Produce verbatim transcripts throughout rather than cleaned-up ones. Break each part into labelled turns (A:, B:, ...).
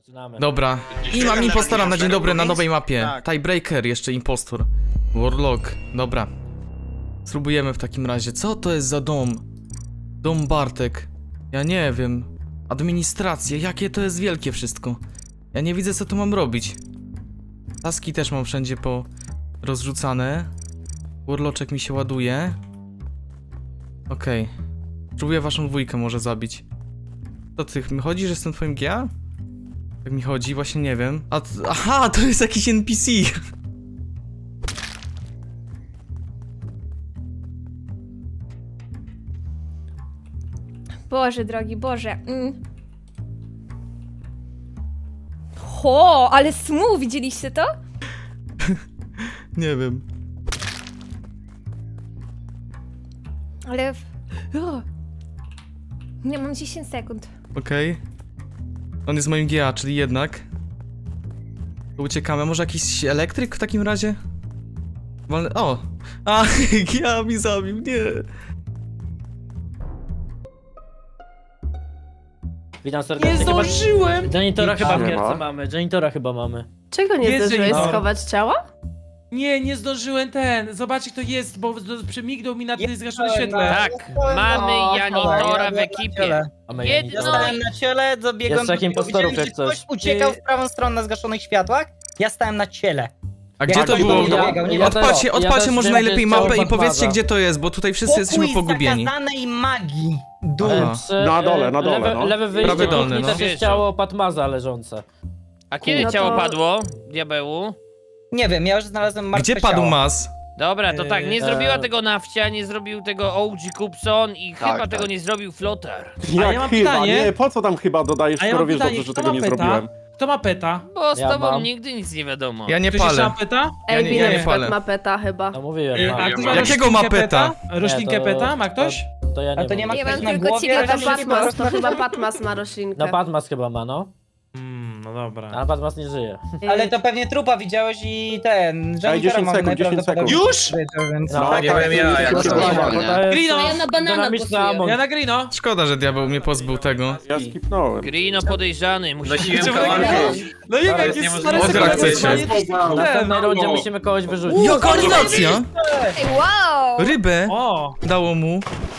A: Zaczynamy.
B: Dobra. I mam impostora na dzień dobry na nowej mapie.
C: Tak.
B: Tiebreaker, jeszcze impostor. Warlock. Dobra. Spróbujemy w takim razie. Co to jest za dom? Dom Bartek. Ja nie wiem. Administracja. Jakie to jest wielkie wszystko. Ja nie widzę, co tu mam robić. Taski też mam wszędzie po rozrzucane. Warloczek mi się ładuje. Okej. Okay. Próbuję waszą dwójkę może zabić. To ty mi chodzi, że jestem twoim G A? Jak mi chodzi, właśnie nie wiem. A, aha, to jest jakiś N P C.
D: Boże drogi, Boże. Mm. Ho, ale smooth, widzieliście to?
B: Nie wiem.
D: Ale... O. Nie, mam dziesięć sekund.
B: Okej. Okay. On jest moim G A, czyli jednak. To uciekamy. Może jakiś elektryk w takim razie? Walne... O! A, G A mi zabił, nie.
A: Witam serdecznie.
E: Nie zdążyłem!
A: Janitora chyba w
F: Nie
A: gierce
F: ma.
A: mamy. Janitora chyba mamy.
G: Czego nie
E: Jest, że
G: zdążyłeś
E: jest.
G: schować ciała?
E: Nie, nie zdążyłem ten. Zobaczcie kto jest, bo z- przemignął mi na tym zgaszonym świetle.
H: Tak, mamy
G: O,
H: Janitora w ekipie.
A: Mamy
H: Jedno-
A: Janitora.
C: Stałem na ciele, dobiegłem
A: Jest takim
C: do
A: postorów,
C: widziałem,
A: jak
C: że
A: coś.
C: ktoś uciekał w prawą stronę na zgaszonych światłach. Ja stałem na ciele.
B: A gdzie
C: Jak
B: to
C: ktoś
B: było?
C: do mnie dobiegał, nie
A: Ja
C: wiem.
B: Odpalcie,
A: też-
B: odpalcie
A: też
B: może
A: wiem,
B: najlepiej
A: gdzie jest
B: mapę i
A: ciało
B: powiedzcie,
A: Batmaza.
B: gdzie to jest, bo tutaj wszyscy jesteśmy
C: Pokój
B: pogubieni.
C: zakazanej magii. Dół.
B: Aha.
A: Przy,
F: Na dole, na dole,
A: lewe,
F: no.
A: lewe wyjście
B: Prawy dolny,
A: kuchni
B: no.
A: też jest ciało Patmaza leżące.
H: A kiedy
G: No
H: ciało
G: to-
H: padło, diabełu?
C: Nie wiem, ja już znalazłem martwe
B: Gdzie padł
C: ciało.
B: mas?
H: Dobra, to tak, nie
A: Eee,
H: zrobiła
A: eee.
H: tego Nafcia, nie zrobił tego O G Kupson i chyba
F: tak.
H: tego nie zrobił Flotar.
E: A
F: Jak
E: ja mam
F: chyba?
E: pytanie.
F: Nie, po co tam chyba dodajesz,
E: A ja
F: skoro
E: mam
F: wiesz
E: pytanie,
F: dobrze, że
E: kto
F: tego
E: ma
F: nie
E: peta?
F: zrobiłem?
E: Kto ma peta?
H: Bo z
A: Ja
H: tobą
A: mam.
H: nigdy nic nie wiadomo.
B: Ja nie
E: Ktoś jeszcze ma
B: palę.
E: peta?
B: Ja
G: Ej,
B: nie-
G: Ej,
B: ja nie
G: na
B: palę.
G: ma peta chyba.
A: No mówiłem,
E: Ej,
A: mam.
E: a ktoś ma
B: Jakiego
E: roślinkę
B: ma peta?
E: Roślinkę
A: Nie, to-
E: peta? Ma ktoś?
A: To, to ja nie
C: Ale to nie
A: mam.
C: ma
D: Ja
C: ktoś
D: mam
C: na
D: tylko
C: głowie?
D: ciebie,
C: roślinki
D: to
C: po
G: Patmas,
C: prostu
G: to
C: na
G: chyba
C: głowie?
G: Patmas ma roślinkę.
A: No Patmas chyba ma, no.
E: Mm, no dobra.
A: A Patmas nie żyje.
C: Ale to pewnie trupa widziałeś i ten... Janitora
F: dziesięć
C: mamy
F: sekund, dziesięć
C: najprawdopodobniej
E: sekund.
C: w życiu, więc...
A: No,
F: Tak,
A: nie
F: tak,
A: wiem
F: ja, jak
A: to
F: to
A: jest-
F: normalnie.
A: to jest
E: Grino!
A: Ja na banana głosuję.
E: Ja na Grino.
B: Szkoda, że diabeł mnie pozbył tego.
F: Ja skipnąłem.
H: Grino podejrzany, musi
E: Czemu tak jest? No nie wiem, jak jest stary
B: Od
E: sekund,
B: chcecie.
E: to jest
A: W
E: ten.
A: następnej rundzie musimy kogoś wyrzucić.
B: Jaka animacja!
D: Ej, wow!
B: Rybę
E: O!
B: dało mu.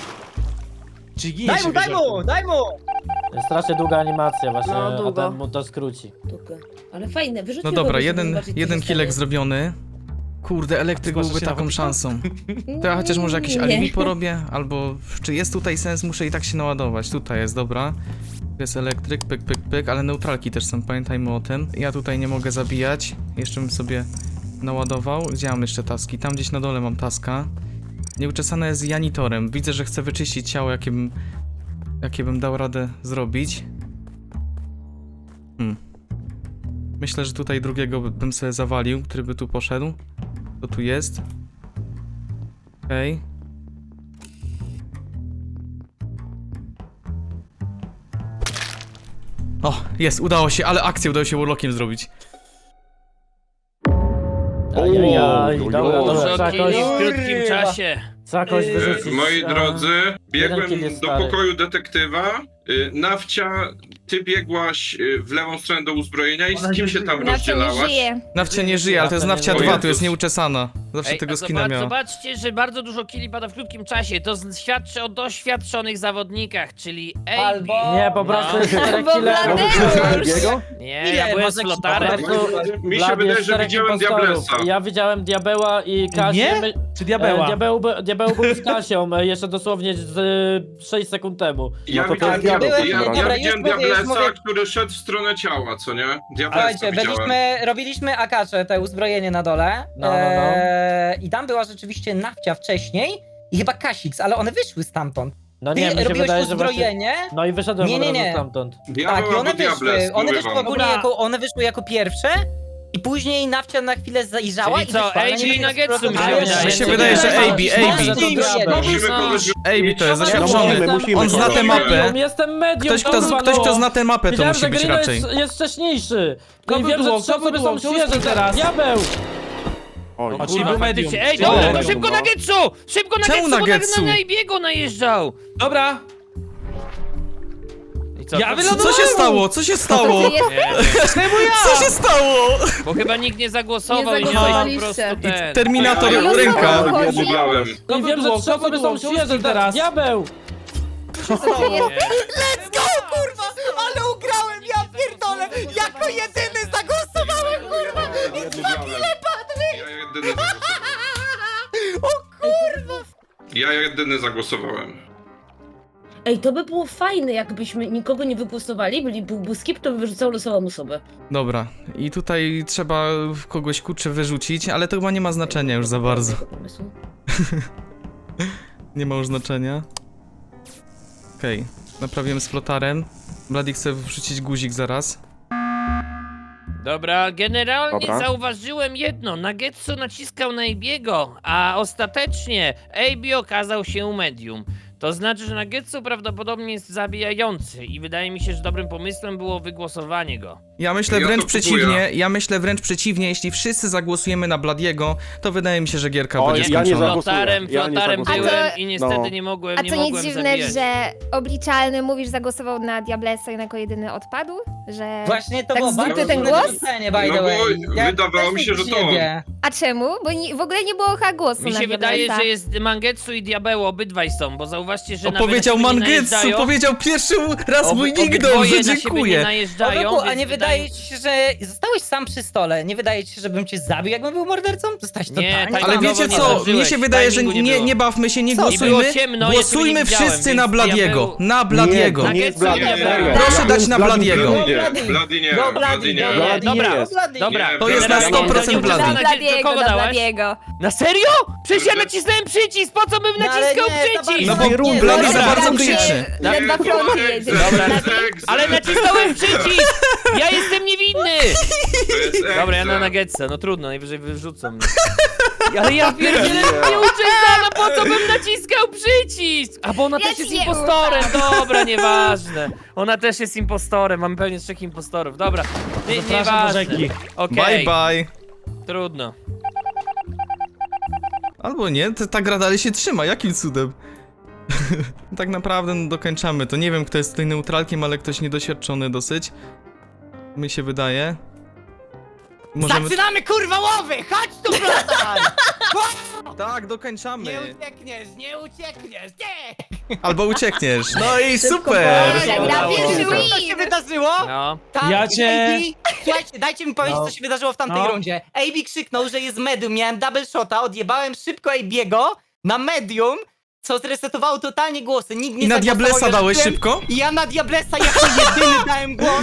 E: Jiggy
C: Daj
E: się
C: mu, daj
E: wyrzekł.
C: mu, daj mu!
A: Jest strasznie długa animacja właśnie,
G: No,
A: a
G: długo.
A: ten mu to skróci.
I: Długo. Ale fajne, wyrzućmy
B: No dobra,
I: go, żeby
B: jeden,
I: zobaczyć, co
B: jeden
I: się
B: kilek
I: stanie.
B: zrobiony. Kurde, elektryk
E: Zgłasza
B: byłby
E: się na
B: taką
E: wódkę?
B: szansą. To ja chociaż może jakieś
I: Nie.
B: alibi porobię, albo czy jest tutaj sens, muszę i tak się naładować. Tutaj jest, dobra. Tu jest elektryk, pyk, pyk, pyk, ale neutralki też są, pamiętajmy o tym. Ja tutaj nie mogę zabijać, jeszcze bym sobie naładował. Gdzie mam jeszcze taski? Tam gdzieś na dole mam taska. Nieuczesane jest Janitorem. Widzę, że chcę wyczyścić ciało, jakie bym, jakie bym dał radę zrobić. Hmm. Myślę, że tutaj drugiego by- bym sobie zawalił, który by tu poszedł. To tu jest. Okej. O, jest, udało się, ale akcję udało się Warlockiem zrobić.
A: Ajajaj,
F: Oj,
A: dobra,
F: oj,
A: dobra,
H: Dużo
A: trzeba
H: kili
A: kogoś,
H: w krótkim czasie.
A: trzeba kogoś
C: Eee,
A: wyrzucić.
J: Moi
A: A,
J: drodzy, biegłem
A: jeden kill jest
J: do
A: stary.
J: pokoju detektywa. Y, Nawcia, ty biegłaś y, w lewą stronę do uzbrojenia i z kim się tam
D: Nawcia nie
J: rozdzielałaś?
D: żyje.
B: Nawcia nie żyje, ale to jest Nawcia
J: O
B: dwa,
J: Jezus.
B: tu jest nieuczesana. Zawsze
H: Ej,
B: tego
H: a
B: skina
H: zobacz,
B: miała.
H: zobaczcie, że bardzo dużo kili pada w krótkim czasie. To z- świadczy o doświadczonych zawodnikach, czyli A B.
C: Albo-
A: Nie, po prostu
H: No.
A: jest czterech
D: Bo
A: killerów.
D: Bladeusz!
H: Nie,
C: Ile
H: ja byłem
C: was
H: z
C: jakiś
H: flotarem.
A: Po prostu
J: Mi się
A: Blady
J: wydaje,
A: jest
J: że
A: czterech
J: widziałem
A: impostorów.
J: Diablesa.
A: Ja widziałem Diabeła i Kasię.
E: Nie?
A: My-
E: Czy diabeła?
A: E, Diabeł, by- diabeł był z Kasią e, jeszcze dosłownie z e, sześć sekund temu.
J: Ja
F: No to to
J: widziałem,
F: jest diabeł
J: ja,
F: w takim
J: ja,
F: razie.
C: Dobra,
J: widziałem
C: już mówię, już
J: Diablesa,
C: mówię.
J: który szedł w stronę ciała, co nie? Diablesa
C: Słuchajcie,
J: widziałem.
C: byliśmy, robiliśmy akacze, te uzbrojenie na dole.
A: No, no, no.
C: Eee, I tam była rzeczywiście Nawcia wcześniej i chyba Kasix, ale one wyszły stamtąd.
A: No
C: Ty
A: nie, mi się
C: robiłeś
A: wydaje, że właśnie...
C: uzbrojenie,
A: No i wyszedłem
C: Nie,
A: od
C: nie,
A: razu
C: nie.
A: stamtąd.
J: Diabeł
C: tak, i one
J: albo Diables,
C: wyszły, one
J: mówię
C: wyszły
J: wam.
C: ogólnie
E: Dobra.
C: jako, one wyszły jako pierwsze i później Nawcia na chwilę zajrzała
H: Czyli
C: i
H: co,
C: wyszła. ale
H: A J
C: nie wiem,
H: Nuggetsu mi się
C: ale-
H: wydaje.
B: Mi się
H: Nie,
B: wydaje, że
H: nie,
B: A B,
H: nie,
B: A B.
H: nie, nie, nie,
J: Musimy
H: no.
J: kogoś...
B: A B to jest
F: No
B: zaświadczony.
F: musimy, musimy
B: On zna
F: kogoś.
B: tę mapę.
A: Medium, jestem medium,
B: Ktoś, kto,
A: kurwa,
B: ktoś,
A: no.
B: kto zna tę mapę, to
A: Wiedziałem,
B: musi
A: że
B: być
A: Grino
B: raczej.
A: jest, jest wcześniejszy.
E: Kto
A: I
E: by
A: wiem,
E: było?
A: że
E: Kto
A: trzeba
E: by
A: sobie
E: było?
A: tam
E: Kto
A: świeże
E: jest teraz?
A: Diabeł!
F: Oj,
E: O,
H: Czyli
E: Czyli
H: był
E: medium.
H: faktycznie. Ej,
E: Czyli
H: dobra,
E: medium,
H: szybko
F: no.
H: Nuggetsu! Szybko
B: Czemu
H: Nuggetsu, bo
B: Nuggetsu?
H: na, na Ibiego najeżdżał!
E: Dobra.
H: I co?
E: Ja
H: To-
E: wylądowałem!
B: Co się stało? Co się stało?
D: Ty jest...
H: Nie,
B: Co się stało?
H: bo chyba nikt nie zagłosował
D: Nie
H: i nie dał po
D: zagłosowaliście.
H: prostu
B: I
H: ten.
B: Terminator
J: Ja- ja-
B: ręka.
J: Ja odmówiłem.
E: Kogo
A: I wiem, że
E: było?
A: trzy
E: Kogo
A: osoby
E: było?
A: są
E: Kto
A: świeże
E: uścił teraz?
A: Diabeł!
G: Let's go, kurwa! Ale ugrałem, ja pierdolę! Jako jedyny zagłosowałem, kurwa!
J: Ja odmówiłem. Ja jedyny zagłosowałem.
G: O kurwa!
J: Ja jedyny zagłosowałem.
I: Ej, to by było fajne, jakbyśmy nikogo nie wygłosowali, byli, byłby skip, to by wyrzucał losową osobę.
B: Dobra, i tutaj trzeba kogoś kurczę wyrzucić, ale to chyba nie ma znaczenia już za bardzo.
I: Tego pomysłu.
B: Nie ma już znaczenia. Okej, naprawiłem z flotarem. Bloody chce wrzucić guzik zaraz.
H: Dobra, generalnie
F: Dobra.
H: zauważyłem jedno. Nagetsu naciskał na Abiego, a ostatecznie Abi okazał się medium. To znaczy, że Nagetsu prawdopodobnie jest zabijający i wydaje mi się, że dobrym pomysłem było wygłosowanie go.
B: Ja myślę
J: Ja
B: wręcz
J: to kupuję.
B: przeciwnie, ja myślę wręcz przeciwnie, jeśli wszyscy zagłosujemy na Bladiego, to wydaje mi się, że gierka
F: Oj,
B: będzie
F: ja nie
B: skończona.
F: zagłosuję.
H: Flotarem,
F: Ja nie
H: flotarem
F: zagłosuję.
H: byłem
D: A to-
H: i niestety
F: No.
H: nie mogłem,
D: A
H: nie
D: to nic
H: mogłem
D: dziwne,
H: zabijać.
D: że obliczalny mówisz zagłosował na Diablesa i jako jedyny odpadł? Że...
C: Właśnie to
D: Tak
C: było
D: zdupy
C: bardzo
D: ten
C: dziwne
D: głos?
C: wyrzucenie, by
J: No
C: the
J: bo
C: way.
J: wydawało
C: też
J: mi się, że to
C: siebie.
D: A czemu? Bo ni- w ogóle nie było chyba głosu
H: Mi
D: na
H: się wydaje,
D: Diablesa.
H: że jest Mangetsu i Diabeł, obydwaj są, bo zauważcie, że
B: O,
H: nawet
B: powiedział
H: na siebie nie
B: Mangetsu,
H: najeżdżają.
B: powiedział pierwszy raz
H: Ob-
B: mój nickname,
H: obydwoje
B: że
H: na siebie nie
B: dziękuję.
H: najeżdżają,
C: Oweku, a
H: więc
C: nie
H: wydaje-
C: wydaje ci się, że zostałeś sam przy stole? Nie wydaje ci się, żebym cię zabił, jakbym był mordercą? Zostałeś
H: Nie,
C: totalnie
H: tak-
B: Ale
C: sam.
B: wiecie
H: nie
B: co,
H: zdążyłeś,
B: mnie się wydaje, że
H: timingu nie
B: nie,
H: było.
B: nie bawmy się, nie
C: Co?
H: I było
B: głosujmy.
H: ciemno, jeszcze
B: Głosujmy
H: nie widziałem,
B: wszyscy
H: więc
B: na Bladiego.
H: diabeł-
B: Na Bladiego.
F: Nie, to nie jest
H: Nagetsu,
F: Bloody.
H: nie,
F: serio.
B: Proszę
F: Ja
B: dać
F: bym
B: na
F: Bloody
B: Bladiego.
F: nie
C: Bloody.
F: jest.
J: Bloody nie,
C: No,
J: Bloody
C: Bloody,
J: nie.
C: no,
F: Bloody
H: Dobra.
F: nie jest.
H: Dobra,
J: Nie,
B: To jest na
J: generalnie
B: sto procent
H: nie uczestniczę
B: Bloody.
D: Na
H: na
D: Bladiego,
H: kogo
D: na
H: dałaś?
D: Bladiego.
H: Na serio? Przecież ja nacisnąłem przycisk, po co bym
C: No, ale
H: naciskał
C: nie, za
H: przycisk?
B: No
C: bardzo-
B: bo
C: nie,
B: Bloody
C: no,
B: za
C: dobra,
B: bardzo
C: tam się-
B: krzyczy.
D: Ledwa
J: Nie,
D: front
J: nie,
D: jedzie.
J: Dobra.
H: Ale nacisnąłem przycisk! Ja jestem niewinny!
J: To jest
H: Dobra, ja na
J: egza.
H: Nuggetsa, no trudno, najwyżej wyrzucą mnie. Ale ja pierdzielę, nie uczesana, po co bym naciskał przycisk? A bo ona
D: Ja
H: też
D: ci
H: jest
D: nie
H: impostorem, dobra, nieważne. Ona też jest impostorem, mamy pewnie trzech impostorów, dobra. Nie,
A: Zapraszam do
H: nieważne.
A: rzeki.
H: Okej,
B: Bye bye.
H: trudno.
B: Albo nie, to ta gra dalej się trzyma, jakim cudem? Tak naprawdę no, dokończamy to. Nie wiem, kto jest tutaj neutralkiem, ale ktoś niedoświadczony dosyć. Mi się wydaje. Możemy...
G: Zaczynamy, kurwa, łowy! Chodź tu, flotar!
B: Tak, dokończamy.
G: Nie uciekniesz, nie uciekniesz, nie!
B: Albo uciekniesz. No i
I: Szybko
B: super!
I: poszło.
D: Gra
H: Udało
D: pierwszy
H: się.
G: Co się
D: win!
G: wydarzyło?
H: No.
G: Tak,
E: Ja cię-
G: A B, słuchajcie, dajcie mi powiedzieć,
A: No.
G: co się wydarzyło w tamtej
A: No.
G: rundzie. A B krzyknął, że jest medium, miałem double shota, odjebałem szybko AB'ego na medium, co zresetowało totalnie głosy. Nikt nie
B: I na
G: zagłosował,
B: Diablesa
G: ja
B: dałeś
G: rzuciłem-
B: szybko?
G: I ja na Diablesa jako jedyny dałem głos.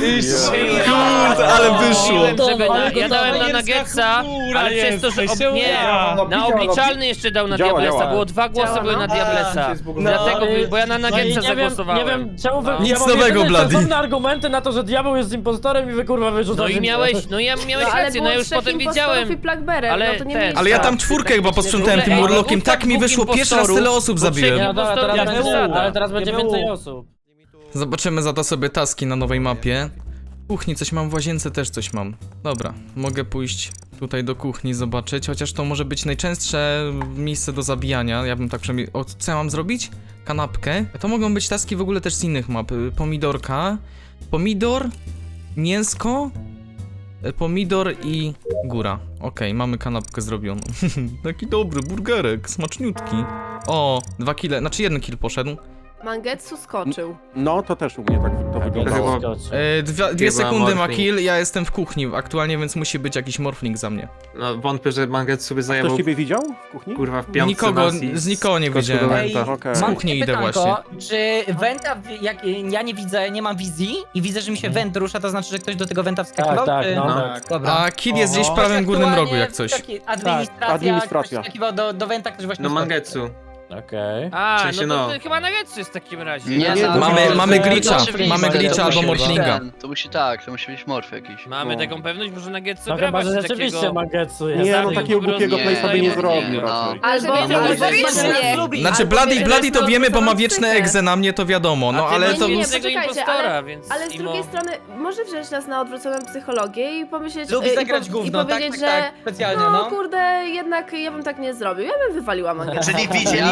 B: Kurde, ale wyszło.
H: Mówiłem, żeby na,
A: Ale
H: ja
A: to
H: dałem na
E: jest
H: Nuggetsa,
E: chmura
H: ale przez to, że...
E: jesteś,
H: Ob... Nie,
E: ja.
H: na obliczalny jeszcze dał na
F: Działa,
H: Diablesa,
F: działa.
H: było dwa głosy
D: Działa,
H: były
D: no.
H: na Diablesa. Dlatego,
A: No,
H: bo ja na
A: No i
H: Nuggetsa
A: nie wiem,
H: zagłosowałem.
A: nie wiem czemu wy...
H: No.
B: Nic
A: ja mam
B: nowego,
A: jedyne
B: Bloody.
A: sensowne argumenty na to, że diabeł jest impostorem i wy kurwa
H: No
A: wyrzucacie
H: i
A: mnie.
H: miałeś, no ja miałeś
D: No, ale
H: rację, no
D: było
H: ja już
D: trzech
H: potem
D: impostorów
H: wiedziałem.
D: i Blackberry,
H: Ale
D: no to nie
H: ten-
D: mieliście.
B: Ale ja tam
H: Tak,
B: czwórkę chyba posprzątałem tym
H: Ej,
B: urlokiem.
H: dwóch-
B: Tak mi
H: dwóch
B: wyszło, pierwszy raz tyle osób
H: impostorów,
B: zabiłem.
H: bo
A: No dobra, teraz
H: Ja
A: będzie,
H: byłem.
A: ale teraz będzie
E: Ja
A: więcej
E: byłem.
A: osób.
B: Zobaczymy za to sobie taski na nowej mapie. W kuchni coś mam, w łazience też coś mam. Dobra, mogę pójść tutaj do kuchni zobaczyć, chociaż to może być najczęstsze miejsce do zabijania. Ja bym tak przynajmniej... O, co ja mam zrobić? Kanapkę. To mogą być taski w ogóle też z innych map. Y, Pomidorka. Pomidor, mięsko, y, pomidor i góra. Okej, mamy kanapkę zrobioną. Taki dobry burgerek, smaczniutki. O, dwa kile, znaczy jeden kill poszedł.
K: Mangetsu skoczył.
F: No, to też u mnie tak to wyglądało.
B: E, dwie dwie sekundy ma kill, ja jestem w kuchni aktualnie, więc musi być jakiś morfling za mnie.
L: No wątpię, że Mangetsu sobie
F: Ktoś
L: zajmował
F: ciebie widział w kuchni?
L: kurwa w piątce
B: Nikogo,
L: was i
B: z nikogo nie
L: skoczył
B: widziałem.
L: do
C: Ej,
L: Wenta.
F: Okej.
B: Z
C: Mam
B: kuchni
C: takie
B: idę
C: pytanko, czy Wenta, w- jak ja nie widzę, nie mam wizji i widzę, że mi się Went rusza, to znaczy, że ktoś do tego Wenta wskakiwał?
A: Tak, tak,
C: czy...
A: no.
L: No.
A: tak.
C: Dobra.
B: A kill jest gdzieś w
A: Oho.
B: prawym górnym rogu jak
C: Aktualnie
B: coś.
C: taki Administracja,
F: Tak, administracja.
C: ktoś wskakiwał do, do Wenta, ktoś właśnie
L: No
C: wskoczył.
L: Mangetsu.
A: Okej.
H: A,
L: W sensie
H: no to
L: no.
H: ty chyba Nuggetsu jest w takim razie.
F: Nie,
H: tak?
F: nie,
B: Mamy,
F: to-
B: mamy
F: to-
B: glitcha,
F: to-
B: mamy glitcha albo
F: musi być
B: morflinga.
K: To musi tak, to musi być morf jakiś.
H: Mamy
F: No.
H: taką pewność, może Nuggetsu
A: No
H: gra
A: chyba, że
H: właśnie
A: rzeczywiście
H: takiego...
A: Mangetsu jest.
F: Nie, no
H: Zabił
F: takiego
H: po prostu
F: głupiego
K: nie,
F: place'a by nie
K: nie,
F: zrobił
K: nie, no.
F: raczej.
K: Albo
D: Żeby
K: no,
D: było
K: może
D: faktycznie.
G: lubi.
B: Znaczy
G: Albo
B: Bloody,
G: nie,
B: Bloody to
G: no,
B: wiemy, bo ma
G: to
B: wieczne
G: psychę.
B: egze na mnie, to wiadomo, no
H: A ty
B: ale
H: masz
B: to...
K: nie, nie,
H: tego
K: poczekajcie,
H: impostora,
K: ale-
H: więc
K: Ale z
H: imo-
K: drugiej strony może wziąć nas na odwróconą psychologię i pomyśleć
C: Lubi
K: i,
C: zagrać
K: po,
C: gówno,
K: i powiedzieć,
C: tak, tak,
K: że
C: tak, specjalnie,
K: no,
C: no.
K: kurde, jednak ja bym tak nie zrobił, ja bym wywaliła Mangetsu.
L: Czyli
K: Ja
L: widzieliście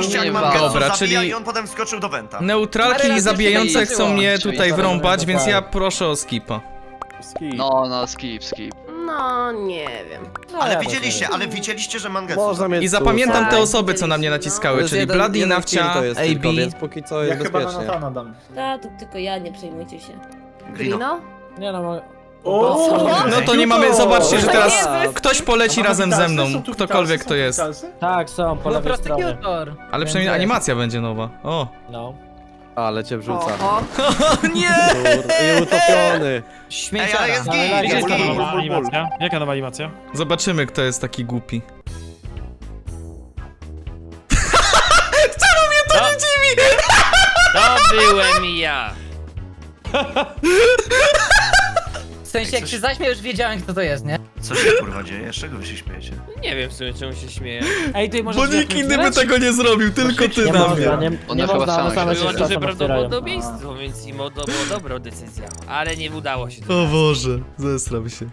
L: Widzieliście jak
H: nie
L: Mangetsu
B: Dobra,
L: zabija
B: czyli-
L: i on potem skoczył do Venta.
B: Neutralki
C: Parę razy
B: zabijające
C: jeszcze
B: chcą
C: nie
B: mnie
C: zdarzyło.
B: tutaj wrąbać, więc
A: tak.
B: ja proszę o skipa.
F: Skip.
M: No, no, skip, skip.
K: No, nie wiem.
A: No,
L: Ale
A: ja
L: widzieliście,
A: też
L: ale widzieliście, że Mangetsu
F: Można
L: zabił.
F: mieć
B: I zapamiętam te
K: Tak,
B: osoby, co na mnie
K: widzieliśmy,
B: naciskały,
N: To
B: czyli
N: jest jeden-
B: Bloody,
N: jeden
B: Nafcia,
N: kill to jest
B: A B.
N: tylko, więc póki co jest bezpiecznie.
I: Ta, to tylko ja, nie przejmujcie się.
L: Grino.
K: Grino?
A: Nie no, mo-
B: No to nie mamy, zobaczcie, że teraz
I: Jezus.
B: ktoś poleci razem ze mną, ktokolwiek to jest.
A: tak, są po
C: No
A: lewej stronie.
C: prosecutor.
B: Ale przynajmniej animacja będzie nowa. O.
A: No.
N: Ale cię wrzuca.
K: O,
B: Nie!
N: I utopiony.
L: Ej,
C: Śmieciara.
L: ale jest
A: Ale
L: git,
A: jak
L: jest
A: jest
L: git.
A: ta nowa
F: animacja?
A: Jaka nowa animacja?
B: Zobaczymy, kto jest taki głupi.
H: To, to byłem ja.
C: W sensie, jak się zaśmiał, już wiedziałem, kto to jest, nie?
L: Co się kurwa dzieje? Z czego wy się śmiejecie?
H: Nie wiem w sumie czemu się śmieję.
E: Ej, ty może
B: Bo nikt inny by tego nie zrobił, tylko ty
A: Nie
B: na
A: można,
B: mnie.
A: nie,
M: One
A: nie
M: chyba
A: można,
M: same
A: one same
M: się
A: się
H: Było
A: czasem
H: duże
A: otwierają.
H: prawdopodobieństwo, więc im to była dobra decyzja. Ale nie udało się to.
B: O Boże, zesram się.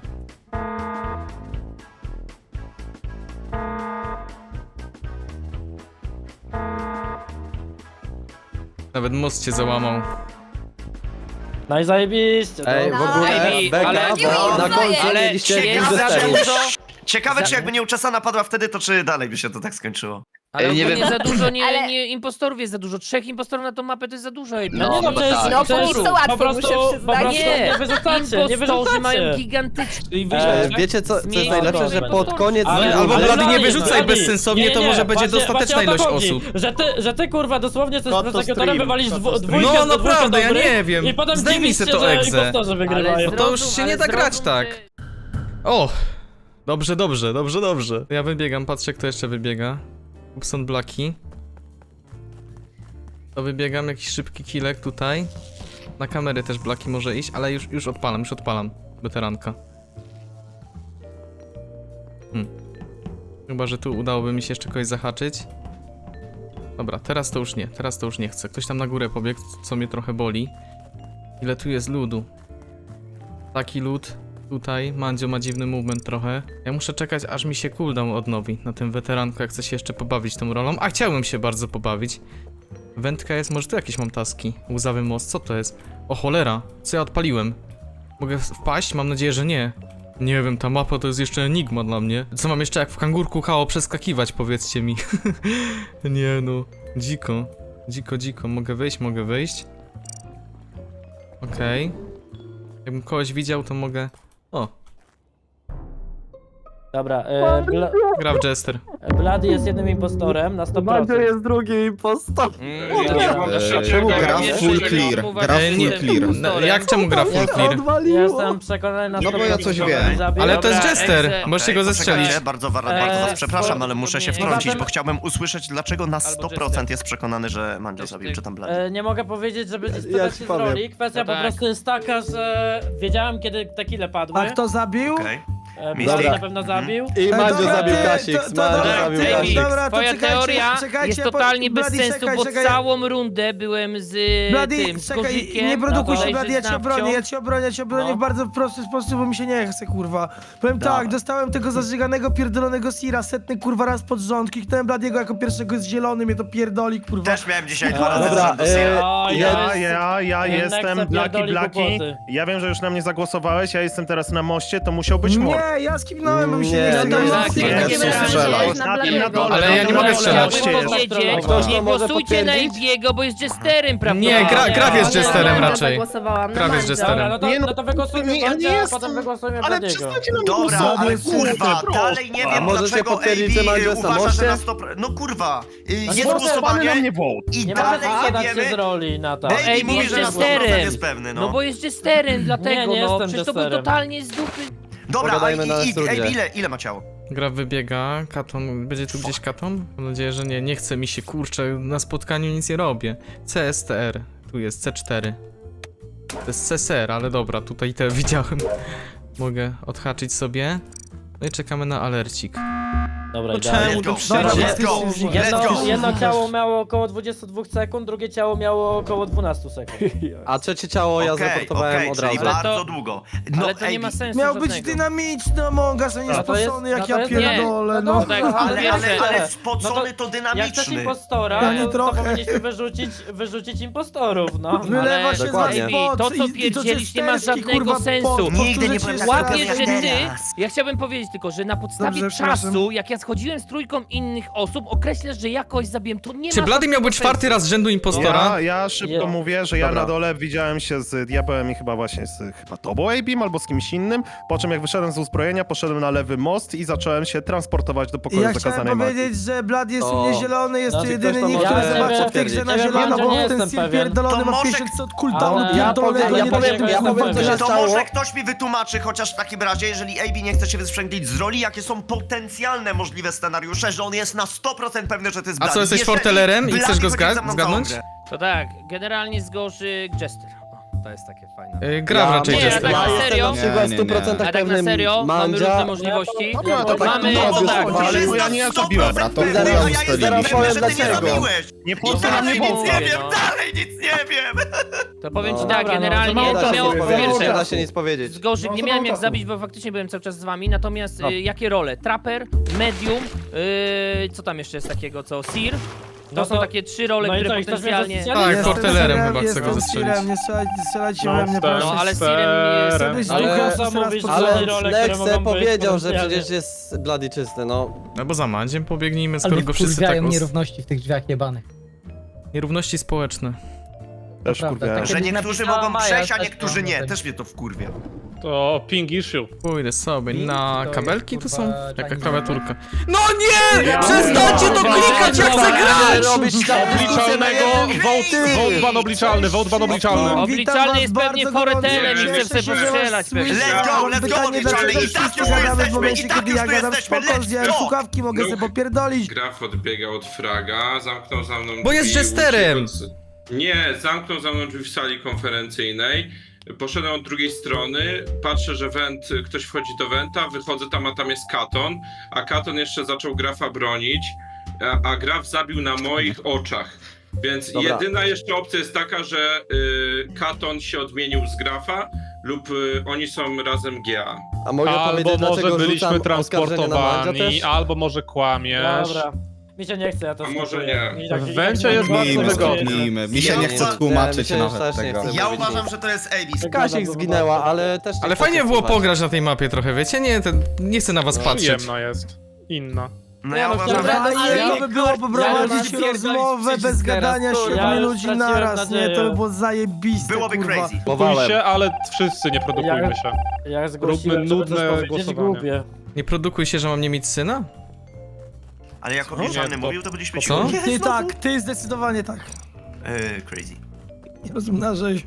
B: Nawet most się załamał.
A: No i zajebiście.
N: Ej, w
A: no.
N: ogóle,
H: Ej,
N: Beka,
H: ale-
N: na końcu
H: ale
N: mieliście
H: jest
N: X
H: za
N: cztery.
H: dużo,
L: Ciekawe,
H: Za-
L: czy jakby nie uczesana padła wtedy, to czy dalej by się to tak skończyło?
H: ale
M: Ej, nie
H: nie
M: wiem.
H: za dużo, nie,
D: Ale-
H: nie, impostorów jest za dużo. Trzech impostorów na tą mapę to jest za dużo. Ej,
M: No,
H: no,
M: no
A: to jest,
M: tak.
D: No,
A: to jest,
D: póki co łatwo,
A: po prostu,
D: muszę
A: po
D: przyznać.
A: prostu
H: Nie,
A: nie wyrzucacie, nie
H: impostorzy mają
A: wyrzucacie.
H: gigantyczny...
A: I
N: E,
A: wy-
N: wiecie co, co jest
H: Zmień-
N: najlepsze, że pod koniec...
A: Ale-
B: Albo
A: ale
B: Blady nie
A: Blady,
B: wyrzucaj
A: Blady.
B: bezsensownie,
A: Nie,
B: to
A: nie,
B: może będzie
A: właśnie-
B: dostateczna
A: właśnie o to
B: ilość
A: chodzi,
B: osób.
A: Że ty, że ty kurwa dosłownie chcesz
F: Cut to
A: prosekretora
F: stream,
A: wywalić
F: cut
A: dwu,
F: to stream.
A: dwójkę
B: No
A: z dwójkę
B: naprawdę, ja
A: dobrych
B: nie wiem.
A: I potem
B: Zdejmij
A: dziwisz
B: se
A: się,
B: to
A: że
B: egzę.
A: impostorzy wygrywają.
B: to już
H: zrozum,
B: się nie
H: ale
B: da grać
H: zrozum,
B: tak.
H: że-
B: O! Dobrze, dobrze, dobrze, dobrze. Ja wybiegam, patrzę kto jeszcze wybiega. Upson Blacki. To wybiegam, jakiś szybki killek tutaj. Na kamery też Blacki może iść, ale już, już odpalam, już odpalam. Weteranka. Hmm. Chyba, że tu udałoby mi się jeszcze kogoś zahaczyć. Dobra, teraz to już nie, teraz to już nie chcę. Ktoś tam na górę pobiegł, co mnie trochę boli. Ile tu jest ludu? Taki lód. Tutaj Mandzio ma dziwny movement trochę. Ja muszę czekać, aż mi się cooldown odnowi na tym weteranku, jak chcę się jeszcze pobawić tą rolą. A chciałbym się bardzo pobawić. Wędka jest, może tu jakieś mam taski. Łzawy most, co to jest? O cholera, co ja odpaliłem? Mogę wpaść? Mam nadzieję, że nie. Nie wiem, ta mapa to jest jeszcze enigma dla mnie. Co mam jeszcze jak w kangurku chało przeskakiwać, powiedzcie mi. Nie no, dziko. Dziko, dziko. Mogę wyjść, mogę wyjść. Okej. Jakbym kogoś widział, to mogę... O,
A: Dobra, e, Bla
B: gra w Jester.
A: Blady jest jednym impostorem na sto
F: Mandzio
A: procent.
F: jest drugim impostor.
H: Mm, ja nie mam
M: Eee,
H: jeszcze
M: czemu
H: czego,
M: gra
H: jeszcze
M: full
H: czego
M: clear?
H: uważam,
M: Gra
H: że
B: full
H: jestem
M: clear.
H: impostorem.
B: Jak czemu gra full clear?
F: Odwaliło.
A: Jestem przekonany na
M: No
A: sto
M: bo ja
A: procent,
M: coś
A: że
M: wiem.
A: mnie zabił.
B: Ale to jest
H: Dobra,
B: Jester,
H: Exe.
B: możecie go
L: Ej,
B: zestrzelić.
L: poczekajcie, Bardzo, bardzo
A: Eee,
L: was przepraszam, ale muszę się
H: spoko-
L: wtrącić,
A: Poza
L: bo
A: tym-
L: chciałbym usłyszeć, dlaczego na sto procent
H: Jester.
L: jest przekonany, że Mandzio
H: Jester.
L: zabił, czy tam Blady.
A: E, nie mogę powiedzieć, że będzie
F: Ja ci
A: sprzedać z
F: powiem.
A: roli. Kwestia
H: No
A: po
H: tak.
A: prostu jest taka, że wiedziałem kiedy te kile padły.
E: A kto zabił?
L: Okej.
A: E,
L: Mystic.
A: Blady na pewno zabił.
N: I Mandzio
E: dobra,
N: zabił
E: ty,
N: Kasik,
E: to- to
N: Mandzio
E: dobra,
N: zabił
H: Ej,
N: Kasik.
E: dobra, to
H: twoja
E: czekajcie,
H: teoria
E: czekajcie,
H: jest
E: po-
H: totalnie bez
E: Blady,
H: sensu,
E: czekaj,
H: bo
E: czekaj.
H: całą rundę byłem z
E: Blady,
H: tym, z
E: czekaj,
H: Kozikiem.
E: nie produkuj się,
H: bodajże
E: Blady, ja
H: z
E: cię
H: Nawcią.
E: obronię, ja cię obronię, ja cię obronię
H: No.
E: w bardzo prosty sposób, bo mi się nie chce, kurwa. Powiem tak, dostałem tego zażyganego, pierdolonego Sira setny, kurwa, raz pod rząd, kliknąłem Bladiego jako pierwszego z zielony, mnie to pierdoli, kurwa.
L: Też miałem dzisiaj dwa razy
N: Dobra,
L: z rzędu
N: e,
L: Sira.
A: O,
F: Ja,
A: jest-
F: ja, ja
A: Jednak
F: jestem
A: se
F: Blaki
A: pierdoli
F: Blaki.
A: głupoty.
F: Ja wiem, że już na mnie zagłosowałeś, ja jestem teraz na moście, to musiał być mord.
E: Nie, ja skipnąłem, bo mi się
N: Nie,
E: nie chce.
N: nie,
E: grać.
H: tak,
K: nie,
H: nie,
K: nie,
H: nie,
K: nie,
M: strzelaj.
K: nie, na Bladiego.
B: Ale ja nie
H: Dobra,
B: mogę strzelać.
H: Chciałbym powiedzieć,
N: Ktoś to
H: nie
N: może
H: głosujcie na
N: potwierdzić?
H: Ibiego, bo jest Jesterem, prawda?
B: Nie, gra, Graf jest
K: Nie,
B: Jesterem
K: na
B: raczej.
K: zagłosowałam, na
B: Graf jest
K: Mandzio.
B: Jesterem.
A: Dobra, no to,
F: Nie, no,
A: no to wygłosujmy
F: nie, ja nie
A: Mandzia, a
F: jestem.
A: potem wygłosujmy
F: Ale
A: Bladiego.
F: przestańcie na mnie
L: Dobra,
F: głosować,
L: ale
F: kurde,
L: kurwa,
F: proszę.
L: dalej nie
N: A
L: wiem
N: możecie
L: dlaczego
N: potwierdzić, że
L: A B
N: Mandzio jest na
L: uważa, że na
N: moście?
L: sto procent... No kurwa, y,
A: No
L: jest
A: nie
L: głosowanie
F: na mnie wołt.
L: i
A: Nie
L: dalej
A: możesz
L: nie
A: zadać się z
L: wiemy.
A: roli na to.
L: Baby
H: Ej,
L: mówi,
H: jest
L: że na sto procent
H: Jesterem.
L: jest pewny,
H: No
L: no.
H: bo jest Jesterem, dlatego
A: Nie, nie
H: no,
A: jestem
H: przecież to był
A: Jesterem.
H: totalnie z dupy.
L: Dobra, a
N: Pogadajmy na
L: i, i,
N: studzie.
L: ej, ile, ile ma ciało?
B: Graf wybiega, Katon, będzie tu gdzieś Katon? Mam nadzieję, że nie, nie chce mi się, kurczę, na spotkaniu nic nie robię. C S T R, tu jest C cztery. To jest C S R, ale dobra, tutaj te widziałem. Mogę odhaczyć sobie. No i czekamy na alercik.
A: Dobra,
B: No
A: idealnie.
B: czemu
L: Let's
B: to
L: go.
B: przecież?
L: Dobra, let's go.
E: Let's
A: Jedno,
L: go.
A: jedno ciało miało około dwadzieścia dwa sekund, drugie ciało miało około dwanaście sekund.
N: A trzecie ciało ja
L: Okej,
N: zreportowałem
L: okej,
N: od
L: czyli
N: razu.
H: Ale to-
L: bardzo długo. No,
H: Ale to nie
L: ej,
H: ma sensu
E: Miał być
H: żadnego.
E: dynamiczny Among Us, a nie
A: No to jest-
E: spoczony jak
A: no to
E: ja
A: jest-
E: pierdolę,
A: nie,
E: no.
A: no
H: tak,
L: ale, ale,
H: Pierwsze-
L: ale spocony to
A: Jak chcesz
L: dynamiczny.
A: impostora,
E: Ja nie
A: to, to
E: trochę.
A: powinniśmy wyrzucić, wyrzucić impostorów, no.
E: Wylewa
H: Ale-
E: się
N: Dokładnie.
E: za
H: Ej,
E: spot
H: to, co
E: i- i
H: pierdzielisz, nie ma
E: Chesterski,
H: żadnego
E: kurwa,
H: sensu.
E: pot.
L: Nigdy nie
E: Powtórzę
L: byłem
E: ci
L: tak
E: jeszcze
H: Łapię,
E: raz.
H: że ty...
L: teraz.
H: Ja chciałbym powiedzieć tylko, że na podstawie
E: Dobrze, przepraszam.
H: czasu, jak ja schodziłem z trójką innych osób, określasz, że ja kogoś zabiłem, to nie
B: Czy
H: ma
B: Blady miał
H: żadnego
B: być czwarty
H: sensu.
B: raz z rzędu impostora?
F: Ja, ja szybko
A: Ja-
F: mówię, że ja
N: Dobra.
F: na dole widziałem się z diabełem i chyba właśnie z chyba tobą, A B M, albo z kimś innym. Po czym jak wyszedłem z uzbrojenia, poszedłem na lewy most i zacząłem się transportować do pokoju
E: Ja chciałem
F: zakazanej magii.
E: powiedzieć, że Blad jest
N: To-
E: u mnie zielony, jest
A: Znaczy,
E: to
N: ktoś
E: jedyny
N: to
E: nick,
N: może
E: który zobaczy w tej
N: potwierdzić.
E: grze na
A: Nie wiem,
E: zielono,
A: ja
E: bo
A: nie
E: ten
A: jestem
E: Sil
A: pewien.
E: pierdolony
L: To
E: ma
L: może-
E: pięćset od cooldownu
A: Ale-
N: Ja
E: pierdolonego,
N: powiem- ja
E: nie
N: powiem-
E: wiem,
N: ja powiem, co się
L: To
N: stało.
L: może ktoś mi wytłumaczy, chociaż w takim razie, jeżeli A B nie chce się wysprzęglić z roli, jakie są potencjalne możliwe scenariusze, że on jest na sto procent pewny, że to jest
B: A
L: Blady.
B: co, jesteś
L: Jeżeli
B: fortelerem i
L: Blady
B: chcesz go
L: chodzi
B: zga-
L: za mną
B: zgadnąć?
L: całą grę.
H: To tak, generalnie zgorzy Jester. O, to jest takie fajne.
B: Y, Gra raczej
H: nie,
B: Jester.
H: tak na serio?
N: Na przykład w stu procentach
H: A tak na
N: pewnym
H: serio? Mamy
N: Mandzia.
H: różne możliwości.
F: No, to tak,
H: Mamy,
F: no,
H: to
F: to
H: tak,
F: chodzi,
H: ale...
F: bo ja nie
L: sto
F: zabiłem.
L: procent
N: to
L: pewny,
N: zaraz-
L: a ja jestem
N: zaraz
L: pewny,
N: powiem
L: że ty nie
N: dlaczego.
L: zabiłeś.
F: Nie
L: I
F: postaram
L: dalej
F: nie
L: nic nie
H: mówię,
L: wiem,
H: no.
L: dalej nic nie wiem.
H: To powiem ci
N: No.
H: tak,
A: Dobra, no,
H: generalnie
A: to
N: Nie
H: to
N: da się
H: miało
N: nic
H: po
N: powiedzieć, nie
H: pierwsze...
N: da się nic powiedzieć.
H: Z gorzych nie miałem jak zabić, bo faktycznie byłem cały czas z wami, natomiast y, jakie role? Trapper, Medium, y, co tam jeszcze jest takiego, co? Seer? To
A: No
H: są
A: to-
H: takie trzy role,
A: no i
H: które
A: co, i chcesz mnie
H: potencjalnie...
A: zastrzelić?
B: Tak,
E: Jestem
B: fortelerem
E: Sirem,
B: chyba chcę
E: jestem
B: go zastrzelić.
E: Sirem, nie strzelajcie, strzelajcie
F: No,
E: we mnie,
F: tak.
E: proszę.
H: No ale Seerem jest...
E: Żebyś
N: Ale-
E: duchem
A: Co
E: jeszcze raz
A: mówisz,
E: postrzelał.
N: Ale
A: Są role, które
N: Nexe
A: mogą być
N: powiedział, że
A: potencjalnie.
N: przecież jest Bloody czysty, no.
B: No bo za Mandziem pobiegnijmy, skoro go wszyscy tak... os-
C: nierówności w tych drzwiach jebanych.
B: Nierówności społeczne.
F: Też
C: prawda,
F: kurwa.
C: tak.
L: Że
C: Kiedyś
L: niektórzy
C: napisała
L: mogą
C: Maja,
L: przejść, a
C: też
L: niektórzy
C: mam
L: nie.
C: ten-
L: Też mnie to wkurwia.
F: To ping issue.
B: Pójdę sobie
C: I
B: na
C: to
B: kabelki,
C: jest,
B: tu są
C: kurwa,
B: jaka
C: Chinese
B: klawiaturka. No nie! Przestańcie to klikać, jak chcę grać!
N: Robisz tam
F: Obliczalnego vote, vote ban obliczalny, vote ban obliczalny.
E: Witam
H: Obliczalny
E: was
H: jest pewnie
E: bardzo
H: foretelem
E: gorąco.
H: i chce sobie
E: Cieszę się, że
H: postrzelać
E: was
H: pewnie.
E: słyszę.
L: Let's go,
E: Mam
L: let's go,
E: pytanie,
L: obliczalny.
E: dlaczego
L: I tak
E: wszyscy
L: już
E: gadamy w
L: jesteśmy,
E: momencie,
L: i tak
E: kiedy
L: już
E: ja gadam
L: jesteśmy.
E: spoko,
L: Let's
E: zdjąłem
L: go.
E: słuchawki, mogę
J: No.
E: sobie popierdolić.
J: Graf odbiegał od fraga, zamknął za mną
B: Bo jest
J: drzwi,
B: jesterem.
J: uciekł od- Nie, zamknął za mną drzwi w sali konferencyjnej. Poszedłem od drugiej strony, patrzę, że went, ktoś wchodzi do wenta, wychodzę tam, a tam jest Katon, a Katon jeszcze zaczął Grafa bronić, a, a Graf zabił na moich oczach. Więc
N: Dobra.
J: jedyna jeszcze opcja jest taka, że y, Katon się odmienił z Grafa lub y, oni są razem G A.
N: A mogę
F: Albo
N: powiedzieć,
F: może
N: dlaczego
F: byliśmy
N: rzucam oskarżenie na Mandzia
F: transportowani,
N: też?
F: albo może kłamiesz.
A: Dobra. Mi się nie chce, ja to
J: A może
A: skipuję.
J: nie.
A: Mi tak-
F: W
A: i
F: wencie
A: tak
F: jest
A: nie
F: bardzo
A: ma-
F: wygodnie.
L: Mi się nie chce
N: tłumaczyć nawet tego.
L: Ja uważam, że to jest A B.
N: Kasik zginęła, ale też... nie
B: Ale
N: chcę
B: fajnie było
N: słuchać.
B: pograć na tej mapie trochę, wiecie? Nie, ten, nie chcę na was patrzeć.
F: Przyjemna jest. Inna.
L: No ja
A: no,
L: uważam,
A: dobra,
L: że...
E: Fajnie
A: ja-
E: by było poprowadzić
A: ja-
E: rozmowę bez gadania
A: Ja
E: siedmiu
A: już
E: ludzi
A: straciłem
E: naraz, nie?
A: nadzieję.
E: To by było zajebiste,
L: Byłoby
E: kurwa.
L: crazy.
N: Próbowałem.
F: Pójście, ale wszyscy nie produkujmy
A: Ja-
F: się.
A: Jak zgłosiłem,
F: Róbmy
A: żeby
F: nudne
A: coś powiedzieć,
F: głosowanie.
A: głupie.
B: Nie produkuj się, że mam nie mieć syna?
L: Ale jak
F: Nie,
L: obliczalny
F: to-
L: mówił, to byliśmy ci...
B: Co?
L: Nie,
E: Ty
L: znowu?
E: tak, ty zdecydowanie tak.
L: Eee, crazy.
E: Nie rozumiem, narzej.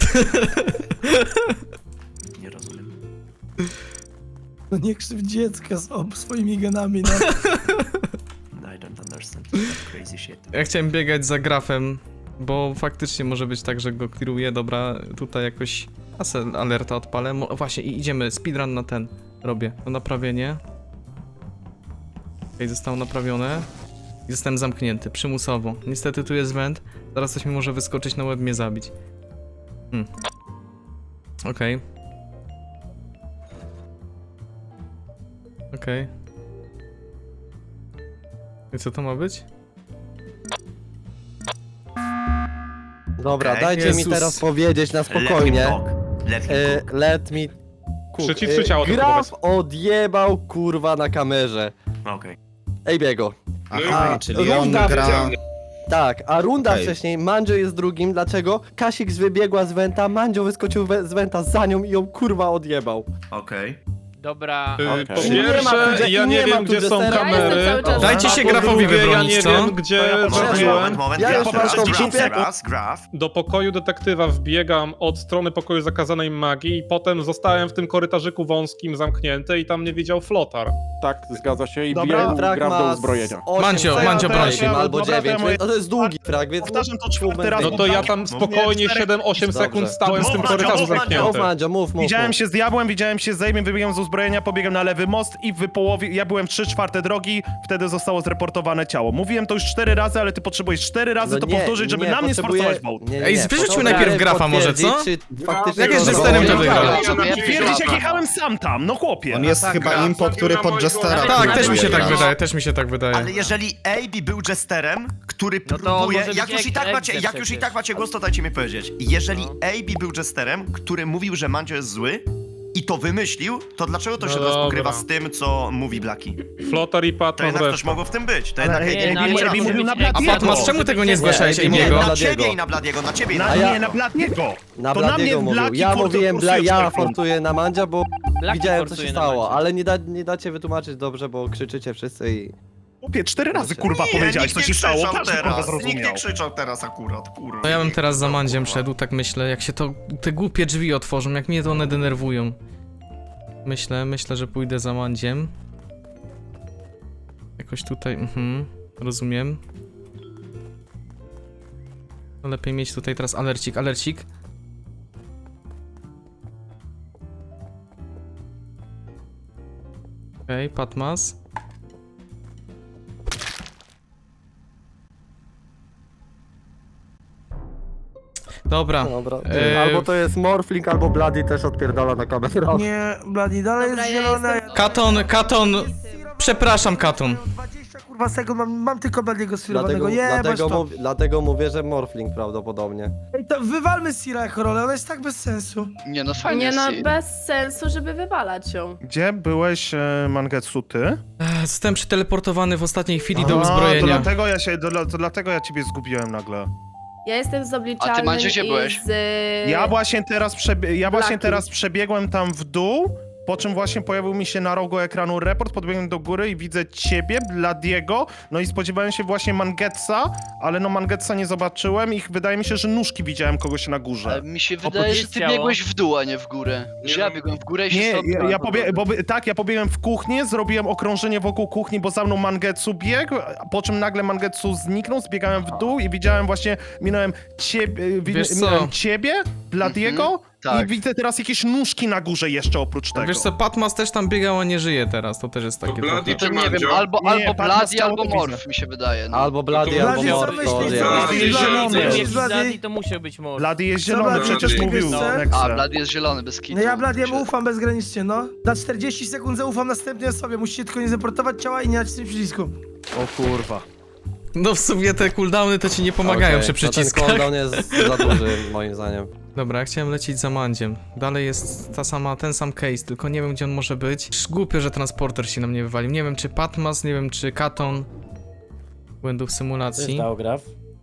L: Nie rozumiem.
E: No nie krzyw dziecka z ob swoimi genami, no.
L: I don't understand. Crazy shit.
B: Ja chciałem biegać za Grafem, bo faktycznie może być tak, że go clearuję. Dobra, tutaj jakoś asę alerta odpalę. Mo właśnie, i idziemy, speedrun na ten robię. No naprawienie. Okej, zostało naprawione. I zostałem zamknięty, przymusowo. Niestety tu jest went. Zaraz coś mi może wyskoczyć na łeb, mnie zabić. Hmm. Okej. Okej. I co to ma być?
N: Dobra,
L: Okej.
N: dajcie mi
B: Jezus.
N: teraz powiedzieć na
L: Let him
N: spokojnie.
L: talk. Let him
N: E,
L: talk.
N: let me cook.
F: Przycisnij ciało, tylko
N: Graf odjebał kurwa na kamerze.
L: Okej.
N: Ej biego.
J: Aha,
N: czyli on gra. Tak, a runda
L: Okej.
N: wcześniej, Mandzio jest drugim, dlaczego? Kasik wybiegła z Wenta, Mandzio wyskoczył we, z Wenta za nią i ją kurwa odjebał.
L: Okej.
H: Dobra,
F: Y,
L: Okej.
F: Po
N: I nie ma
F: pierwsze,
N: tu-
F: ja
N: i
F: nie
N: nie ma
F: wiem,
N: tu
F: gdzie są
N: Jestera.
K: Ja jestem
F: kamery.
K: cały czas
B: Dajcie
F: A
B: się
F: po
B: Grafowi
F: drugie,
B: wybronić,
F: ja nie
B: co?
F: wiem, gdzie
L: Moment,
F: zrobiłem.
L: moment, moment.
N: Ja
L: Ja
N: już
L: poproszę
N: mam
L: dziesięć
N: kopie.
L: teraz, graf.
F: Do pokoju detektywa wbiegam od strony pokoju zakazanej magii i potem zostałem w tym korytarzyku wąskim zamknięty i tam mnie widział flotar.
M: Tak, zgadza się i
F: Dobra.
M: biję
N: Frag
M: gra
N: ma
M: do
N: z
M: uzbrojenia.
N: osiem
B: Mandzio,
N: sekund,
B: Mandzio, broń się.
N: albo
F: Dobra, to
N: dziewięć,
F: ja moje-
N: to jest długi frag, więc...
F: Powtarzam to czwarty
N: Moment,
F: raz. No to ja tam
L: Mów,
F: spokojnie
L: cztery-
F: siedem osiem
N: Dobrze.
F: sekund stałem w tym
L: Mów,
F: korytarzu
L: Mandzio, mów,
N: Mów
F: zamknięty.
N: Mandzio, mów, mów,
F: Widziałem
N: mów.
F: się z diabłem, widziałem się z Zejmiem, wybiegłem z uzbrojenia. uzbrojenia, pobiegłem na lewy most i w połowie, ja byłem trzy czwarte drogi, wtedy zostało zreportowane ciało. Mówiłem to już cztery razy, ale ty potrzebujesz cztery razy
N: No
F: to
N: nie,
F: powtórzyć, żeby
N: nie,
F: na mnie
N: potrzebuję-
F: sforsować vote.
N: nie, nie,
B: Ej,
N: nie,
B: wyrzućmy
N: potrzebuję
B: najpierw grafa może, co?
N: potwierdzić, czy faktycznie
B: Jak jest
N: to
B: jesterem, to
N: było.
B: wygra.
F: Twierdzić, jak jechałem sam tam, no chłopie.
M: On jest chyba impo, który pod Jestera.
B: Tak, też mi się tak
M: próbuje
B: wydaje, też mi się tak wydaje.
L: Ale jeżeli A B był jesterem, który
H: No to
L: próbuje...
H: może być
L: jak już i tak
H: egzem
L: macie, jak już i
H: przecież.
L: tak macie głos, to dajcie mi powiedzieć. Jeżeli A B był jesterem, który mówił, że Mandzio jest zły i to wymyślił, to dlaczego to się teraz pokrywa z tym, co mówi Blaki?
M: Flotar i
L: To
M: Patron
L: jednak też mogło w tym być. To jednak
F: Ale
L: A B
H: nie,
L: nie
H: no,
L: miał
H: ale
L: racji.
H: może
F: mówił
H: być
F: na
H: egzem.
F: Bladiego.
B: Patmas, czemu tego nie zgłaszałeś
N: Nie, nie,
L: Nie,
B: Ejbiego?
L: na
N: Bladiego.
L: ciebie i na Bladiego, na ciebie i na
F: Na,
N: A
L: Bladiego.
N: ja-
F: nie, na Bladiego.
N: Na
F: To na
N: Bladiego
F: mnie
N: mówił.
F: Blaki
N: Ja
F: for-
N: mówiłem,
F: forsuje
N: bla, ja
F: człowieku.
N: fortuję na Mandzia, bo
H: Blaki
N: widziałem, co
H: forsuje
N: się
H: na
N: stało,
H: Mandzia.
N: ale nie, da, nie dacie wytłumaczyć dobrze, bo krzyczycie wszyscy i...
F: Chłopie, cztery razy
N: Nie,
F: kurwa
L: Nie,
F: powiedziałeś,
L: nikt
F: co
L: nie
F: się stało,
L: krzyczał
F: każdy kurwa
L: teraz, nikt nie
F: zrozumiał.
L: krzyczał teraz akurat, kurwa.
B: No ja bym
L: Nikt
B: teraz za
L: nie
B: Mandziem
L: krzyczał,
B: szedł, tak myślę, jak się to, te głupie drzwi otworzą, jak mnie to one denerwują. Myślę, myślę, że pójdę za Mandziem. Jakoś tutaj, mhm, rozumiem. No lepiej mieć tutaj teraz alercik, alercik. Okej, okay, Patmas. Dobra.
N: Dobra.
B: E,
N: Albo to jest Morphling, albo Bloody też odpierdala na kamerę.
E: Nie, Bladi, dalej
K: Dobra,
E: jest
K: ja
E: zielone.
K: jestem-
B: Katon, Katon, przepraszam, Katon.
E: dwadzieścia kurwa sekund, mam, mam tylko Bladiego
N: Dlatego,
E: sfilowanego, jebać
N: dlatego,
E: to.
N: mów, dlatego mówię, że Morphling prawdopodobnie.
E: Ej, to wywalmy Sira jako rolę, ona jest tak bez sensu.
M: Nie no, fajnie
K: Nie no,
M: jest.
K: bez sensu, żeby wywalać ją.
F: Gdzie byłeś, e, Mangetsu, ty?
B: Ech, Zostałem przeteleportowany w ostatniej chwili do
F: A, To
B: uzbrojenia.
F: dlatego ja się, to, to dlatego ja ciebie zgubiłem nagle.
K: Ja jestem z obliczalnym
M: Maciu, gdzie
K: i
M: byłeś?
K: z...
F: Ja właśnie teraz, przebie ja właśnie
K: Blaki.
F: teraz przebiegłem tam w dół, po czym właśnie pojawił mi się na rogu ekranu report, podbiegłem do góry i widzę ciebie, Bladiego, no i spodziewałem się właśnie Mangetsa, ale no Mangetsa nie zobaczyłem i wydaje mi się, że nóżki widziałem kogoś na górze.
M: Mi się
H: wydaje, że ty biegłeś
M: w dół, a nie w górę.
J: Że ja
M: biegłem w górę
F: Nie, ja, ja pobie bo, by- tak, ja pobiegłem w kuchnię, zrobiłem okrążenie wokół kuchni, bo za mną Mangetsu biegł, po czym nagle Mangetsu zniknął, zbiegałem w dół i widziałem właśnie, minąłem ciebie, wi-
B: Wiesz co?
F: minąłem ciebie, Bladiego
M: tak.
F: i widzę teraz jakieś nóżki na górze jeszcze oprócz tego.
B: Wiesz co, Patmas też tam biegał, a nie żyje teraz, to też jest
J: To
B: takie
J: Bloody
B: trochę.
J: czy Mandzio?
M: albo,
F: Nie, albo Bloody, Patmas ciało
M: albo
F: to widzę.
M: Morf mi się wydaje. No.
N: Albo Bloody,
J: to
N: albo
E: Blady, co
N: Morph.
E: myślisz,
N: to
E: co
N: odjebał.
F: Blady
E: myślisz,
F: jest zielony.
E: Blady?
A: Jak
E: Myślisz,
A: jest
E: Blady?
A: Blady, to musiał być mord.
F: Blady jest
E: Co,
F: zielony,
E: Blady,
F: przecież
E: coś
F: mówił
E: wiesz, co?
F: Nexe.
M: A, Bloody jest zielony, bez kitu.
E: No ja Bladiemu ufam bezgranicznie, no. Na czterdzieści sekund zaufam następnej osobie, musicie tylko nie zaportować ciała i nie dać tym przycisku.
N: O kurwa.
B: No w sumie te cooldowny to ci nie pomagają
N: Okej,
B: przy
N: no
B: przyciskach.
N: ten cooldown jest za duży, moim zdaniem.
B: Dobra, ja chciałem lecieć za Mandziem. Dalej jest ta sama, ten sam case, tylko nie wiem gdzie on może być. Sz- Głupio, że transporter się na mnie wywalił. Nie wiem czy Patmas, nie wiem czy Katon. Błędów
A: Co się
B: symulacji.
A: stało, Graf?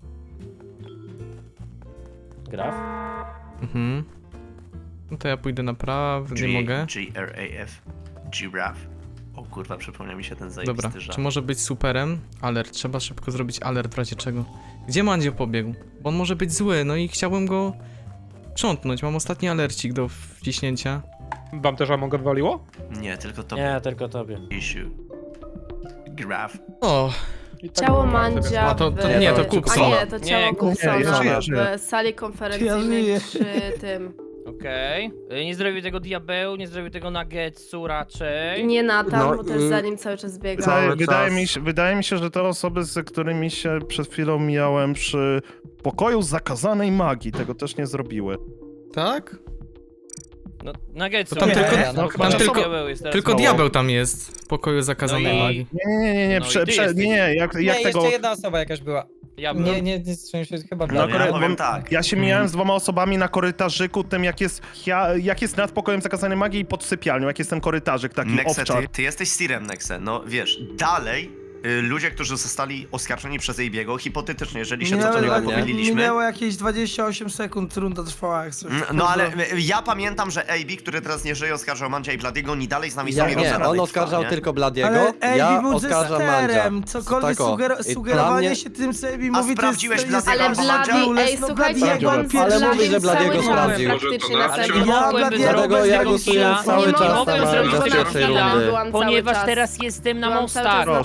A: Graf?
B: Mhm. No to ja pójdę na prawo, nie mogę.
L: G R A F. Giraffe. O kurwa, przypomniał mi się ten zajebisty
B: Dobra,
L: żart.
B: czy może być superem? Alert, trzeba szybko zrobić alert w razie czego. Gdzie Mandzio pobiegł? Bo on może być zły, no i chciałbym go sprzątnąć. Mam ostatni alercik do wciśnięcia.
M: Wam też Among odwaliło?
L: Nie, tylko to
A: Nie, tylko tobie.
L: issue. Graf.
B: O,
K: Ciało Mandzia
B: A to- to
K: w...
B: nie, to
K: A
B: Kupson.
K: nie, to ciało
H: Nie,
K: Kupsona
F: ja żyję, żyję.
K: w sali
E: Ja
K: konferencyjnej
E: żyję.
K: przy tym.
H: Okej. Y, Nie zrobił tego diabeł, nie zrobił tego Nuggetsu raczej.
K: Nie Natan,
N: No,
K: bo też
N: y-
K: za nim cały czas biega.
F: Wydaje,
N: Cały
F: wydaje,
N: czas.
F: mi się, wydaje mi się, że te osoby, z którymi się przed chwilą mijałem przy pokoju zakazanej magii, tego też nie zrobiły.
B: tak?
H: No, Nuggetsu.
B: To tam
H: nie,
B: tylko-
H: no,
F: no,
H: chyba
F: tam
H: że
F: tylko-
H: diabeł jest teraz
B: Tylko
H: mało.
B: diabeł tam jest w pokoju zakazanej
H: No i-
B: magii.
F: Nie, nie, nie, nie,
H: No i
F: prze,
H: ty
F: prze,
H: jesteś.
F: nie, nie, jak, jak
C: nie,
F: tego...
C: jeszcze jedna osoba jakaś była.
H: Ja
C: Nie, nie, nie, nie się chyba
F: No,
C: Blady.
L: ja
F: kory-
L: powiem
F: bo-
L: tak.
F: Ja się mijałem z dwoma osobami na korytarzyku, tym jak jest, ja, jak jest nad pokojem zakazanej magii i pod sypialnią, jak jest ten korytarzyk taki
L: Nexe,
F: owczar.
L: ty, ty jesteś Sirem, Nexe. No wiesz, dalej y, ludzie, którzy zostali oskarżeni przez Ejbiego, hipotetycznie, jeżeli się co do
E: Minęło,
L: niego
N: nie.
L: pomyliliśmy.
E: minęło jakieś dwadzieścia osiem sekund, runda trwała jak coś.
L: Mm, No ale y, ja pamiętam, że A B, który teraz nie żyje, oskarżał Mandzia i Bladiego, oni dalej z nami
N: Ja,
L: są i
N: nie,
L: rozradnej
N: on
L: trwa,
N: oskarżał
L: nie?
N: tylko Bladiego,
E: Ale Ejbi
N: ja
E: był
N: oskarżam Mandzia.
E: jesterem, cokolwiek
N: Tak o.
E: suger
N: I
E: sugerowanie
N: dla mnie-
E: się tym, co Ejbi
L: A
E: mówi, to jest...
L: sprawdziłeś
E: to jest
L: Bladiego
K: Ale
L: albo Mandzia?
K: Blady, ej,
E: No,
K: słuchajcie,
E: Blady,
K: jak on
E: ale
K: pierwszy
N: mówi, że
K: cały
N: Bladiego
K: czas
N: sprawdził.
K: praktycznie
J: Może
K: na
J: to
K: samym
J: na-
A: nie
E: Ja
A: mogłem
E: Bladiego
N: Dlatego
E: bez
N: ja
E: tego
N: głosuję
E: killa.
N: cały
K: Nie
N: czas
K: mogę
N: na
K: zrobić
N: Mandzia z
K: żadnego
N: pierwszej
K: killa.
N: rundy.
K: Byłam cały
H: Ponieważ
K: czas.
H: teraz jestem na
K: Byłam
H: mostach,
K: cały
H: na
K: czas
F: Proszę,
H: prawym
F: Pi.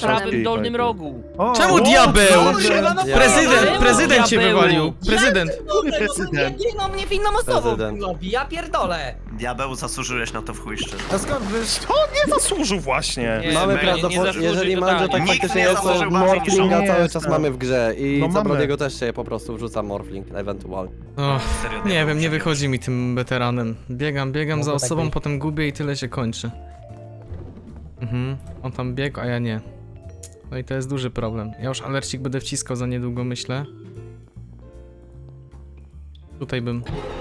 H: dolnym
N: powiedz.
H: rogu.
E: O,
B: Czemu
E: o,
B: diabeł?
E: Boże.
B: Prezydent, prezydent cię
H: Diabeł.
B: wywalił. Prezydent.
L: Prezydent.
G: No mnie winną osobą
N: Prezydent.
G: robi, ja pierdolę.
L: Diabeł, zasłużyłeś na to w chuj szczerze.
E: A skąd wiesz?
F: To nie zasłużył właśnie.
H: Nie,
N: Mamy
H: nie, nie
N: prawdopodobnie,
H: zasłużył
N: jeżeli Mandzio tak
H: totalnie.
L: Nikt
N: faktycznie
L: nie
N: jest, to
L: zasłużył bardziej niż
N: Morflinga
F: on.
N: cały
F: Jest,
N: czas
F: no.
N: mamy w grze i
F: No
N: za
F: mamy.
N: Bladiego też się po prostu wrzuca Morfling, ewentualnie.
B: Och,
L: Serio,
B: nie
L: diabeł
B: wiem, nie
L: przebiegł.
B: wychodzi mi tym weteranem. Biegam, biegam za
C: Mogło tak
B: osobą,
C: być.
B: potem gubię i tyle się kończy. Mhm, on tam biegł, a ja nie. No i to jest duży problem. Ja już alercik będę wciskał za niedługo, myślę. Tutaj bym...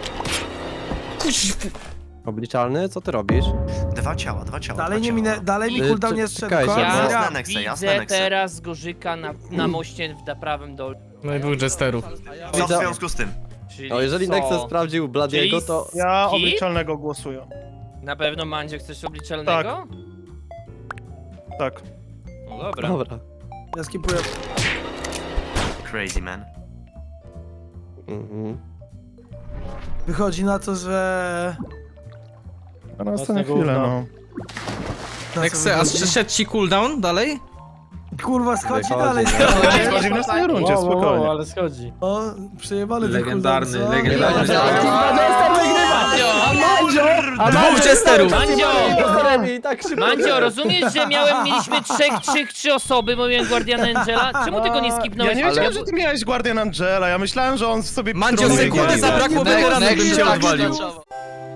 N: Obliczalny, co ty robisz?
L: Dwa ciała, dwa ciała.
E: Dalej
L: dwa
E: nie
L: ciała.
E: minę, dalej mi
N: Y,
E: cooldown
N: czy-
E: nie zszedł.
N: czekajcie,
E: Koniec
N: bo-
L: Jasne,
E: gra.
L: Nexe, jasne,
H: Widzę
L: Nexe.
H: teraz Gorzyka na, na moście w prawym dole.
B: No i dwóch jesterów.
L: Co w związku z tym?
H: Czyli
N: No jeżeli
H: co?
N: Nexe sprawdził Bladiego,
H: Czyli
N: to...
F: Ja
H: Skip?
F: obliczalnego głosuję.
H: Na pewno Mandzio chcesz obliczalnego?
F: Tak.
H: No dobra.
N: Dobra.
E: Ja skipuję.
L: Crazy man.
N: Mhm.
E: Wychodzi na to, że...
F: A następną chwilę, no.
E: na co
B: Nexe, a
E: wychodzi?
B: przyszedł ci cooldown dalej?
E: Kurwa, schodzi
N: Wychodzi,
E: dalej.
N: no.
E: schodzi.
F: Schodzi w następnej rundzie,
A: Wow, wow, wow,
F: spokojnie.
A: ale schodzi.
E: O, przejebany
O: Legendarny,
E: ten cooldown, co?
O: legendarny.
B: Dwóch jesterów!
H: Mandzio!
N: I tak szybko.
H: Mandzio, rozumiesz, że miałem, mieliśmy trzech, trzech, trzy osoby, bo miałem Guardiana Angela? Czemu tego nie
F: Ja
H: skipnąłeś?
F: nie wiedziałem, że ty miałeś Guardian Angela, ja myślałem, że on sobie...
B: Mandzio,
F: troluje
B: sekundy
F: Guardiana.
B: zabrakło, weteran bym cię odwalił.